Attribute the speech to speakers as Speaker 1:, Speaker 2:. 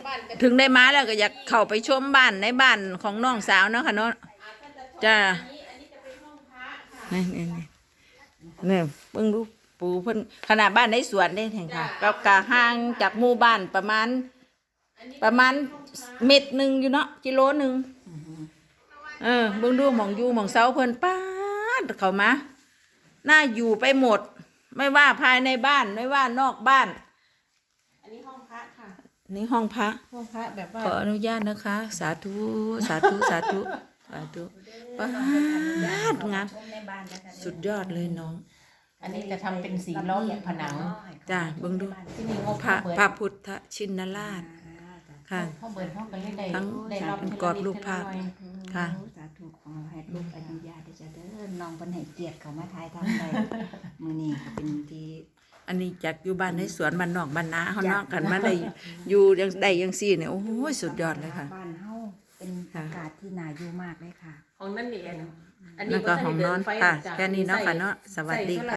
Speaker 1: ถึงได้มาแล้วก็อยากเข้าไปชมบ้านในบ้านของน้องสาวเนาะค่ะเนาะจ้านี่เนี่ยเบิ่งดูปูเพิ่นขนาดบ้านในสวนได้แห่งค่ะก็กะห่างจากหมู่บ้านประมาณเม็ดหนึ่งอยู่เนาะกิโลหนึ่งเบิ่งดูหม่องอยู่หม่องเสาเพิ่นป้าดเข้ามาน่าอยู่ไปหมดไม่ว่าภายในบ้านไม่ว่านอกบ้าน
Speaker 2: อันนี้ห้องพระค่ะ
Speaker 1: นี่ห้องพระ
Speaker 2: แบบว่า
Speaker 1: ขออนุญาตนะคะ สาธุสาธุสาธุสาธุป้าดงามสุดยอดเลยน้อง
Speaker 2: อันนี้จะทำเป็นสีล้อมผนัง
Speaker 1: จ้าเบิ่งดูพระพุทธชินราชค่ะ
Speaker 2: ห้องเบิร์นห้องกันได้
Speaker 1: ทั้งกอดรูปภาพค่ะ
Speaker 3: สาธุของเราให้ลูกอนุญาตจะเด้อน้องเพิ่นให้เกียรติเขามาทายทำได้มื้อนี้ก็เป็นที่
Speaker 1: อันนี้จากอยู่บ้านในสวนบ้านนอกบ้านนาเฮาเนาะกันมาได้อยู่ยังได้ยังซี่เนี่ยโอ้ยสุดยอดเลยค่ะ
Speaker 3: บ้านเฮาเป็นอากาศที่น่าอยู่มากเลยค่ะ
Speaker 2: ห้องนั่นเอง
Speaker 1: นั่นก็ห้องนอนค่ะแค่นี้เนาะค่ะเนาะสวัสดีค่ะ